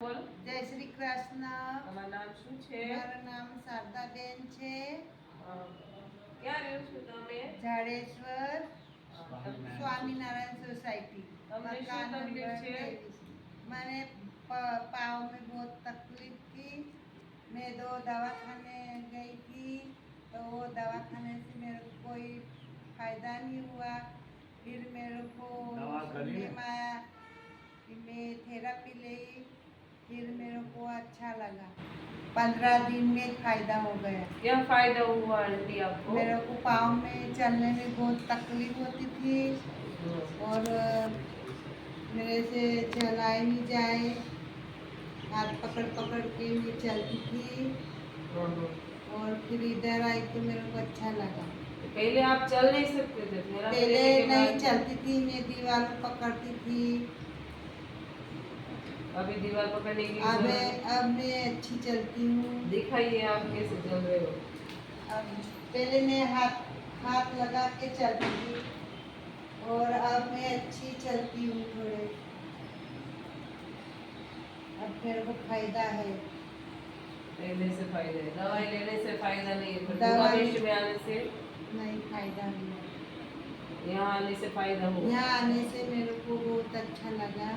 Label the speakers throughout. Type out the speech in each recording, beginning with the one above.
Speaker 1: બોલ.
Speaker 2: જય શ્રી કૃષ્ણ.
Speaker 1: તમારું નામ શું છે?
Speaker 2: મારું નામ શારદાબેન છે.
Speaker 1: ક્યાં રહ્યો છો તમે?
Speaker 2: જાડેશ્વર
Speaker 1: તમને
Speaker 2: स्वामीनारायण सोसाइटी
Speaker 1: તમને શું
Speaker 2: मकान
Speaker 1: તકલીફ
Speaker 2: नंबर
Speaker 1: છે?
Speaker 2: 23। मैंने पाँव में बहुत तकलीफ थी। मैं 2 दवाखाने गई थी, तो वो दवाखाने से मेरे को कोई फायदा नहीं हुआ। फिर मेरे को सुनने में आया कि मैं थेरेपी ली, फिर मेरे को अच्छा लगा। 15 दिन में फायदा हो गया।
Speaker 1: क्या फायदा हुआ आंटी आपको?
Speaker 2: मेरे को पाँव में चलने में बहुत तकलीफ होती थी और मेरे से चला ही नहीं जाए, हाथ पकड़ पकड़ के मैं चलती थी। और फिर इधर आई तो मेरे को अच्छा लगा।
Speaker 1: पहले आप चल नहीं सकते थे?
Speaker 2: पहले नहीं चलती थी, मैं दीवार को पकड़ती थी।
Speaker 1: अभी दीवार पकड़ने की
Speaker 2: अब मैं अच्छी चलती हूँ।
Speaker 1: दिखाइए आप कैसे चल रहे हो।
Speaker 2: अब पहले मैं हाथ लगा के चलती थी और अब मैं अच्छी चलती हूँ थोड़े। अब मेरे को फायदा है।
Speaker 1: पहले से फायदा है, दवाई लेने से फायदा नहीं है, पर
Speaker 2: दवाई
Speaker 1: देश में आने से
Speaker 2: नहीं फायदा नहीं।
Speaker 1: यहाँ आने से फायदा हो।
Speaker 2: यहाँ आने से मेरे को बहुत अच्छा लगा।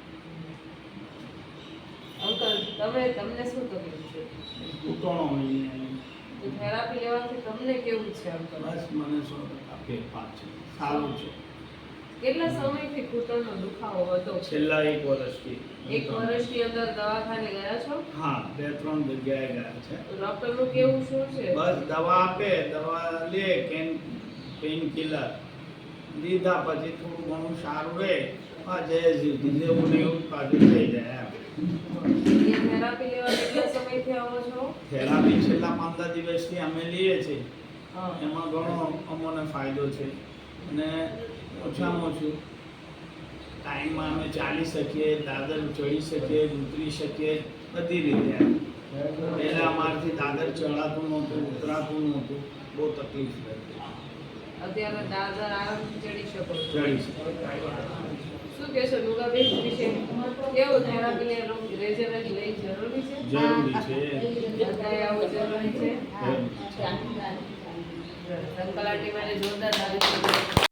Speaker 1: अंकल તમને શું તકલીફ છે?
Speaker 3: ઘૂંટણો
Speaker 1: તો થેરાપી લેવાથી તમને કેવું છે અંકલ?
Speaker 3: બસ મને 100% ફેરફાર છે, સારું છે.
Speaker 1: કેટલા સમયથી ઘૂંટણનો દુખાવો હતો?
Speaker 3: છેલ્લા 1 વર્ષથી.
Speaker 1: 1 વર્ષની અંદર દવાખાને ગયા છો?
Speaker 3: હા, 2-3 જગ્યાએ ગયા છે.
Speaker 1: તો ડોક્ટરનું કેવું શું છે?
Speaker 3: બસ દવા આપે, દવા લે, પેઇન કિલર લીધા પછી થોડું ઘણું સારું રહે. હા, જય જીવતી જેવું ને એવું પાછું થઈ જાય એમ.
Speaker 1: એ થેરાપી લેવા કેટલા સમયથી આવો છો?
Speaker 3: થેરાપી છેલ્લા 15 દિવસથી અમે લઈએ છીએ.
Speaker 1: હા.
Speaker 3: એમાં ઘણો અમને ફાયદો છે અને ઓછામાં ઓછું ટાઈમમાં અમે ચાલી શકીએ, દાદર ચડી શકીએ, ઉતરી શકીએ, બધી રીતે. પહેલાં અમારાથી દાદર ચડાતું નહોતું, ઉતરાતું નહોતું, બહુ તકલીફ રહેતી.
Speaker 1: અત્યારે દાદર આરામથી ચડી શકો છો.
Speaker 3: ચડી શકીએ.
Speaker 1: શું કહેશો નુગાબેન વિશે? કેવું થેરાપી રેઝરન્ટ લઈ જરૂરી છે?
Speaker 3: જરૂરી છે.
Speaker 1: બધાએ આવું જરૂરી છે.
Speaker 3: જરૂરી છે.
Speaker 1: અંકલ આંટી માટે જોરદાર તારીફ.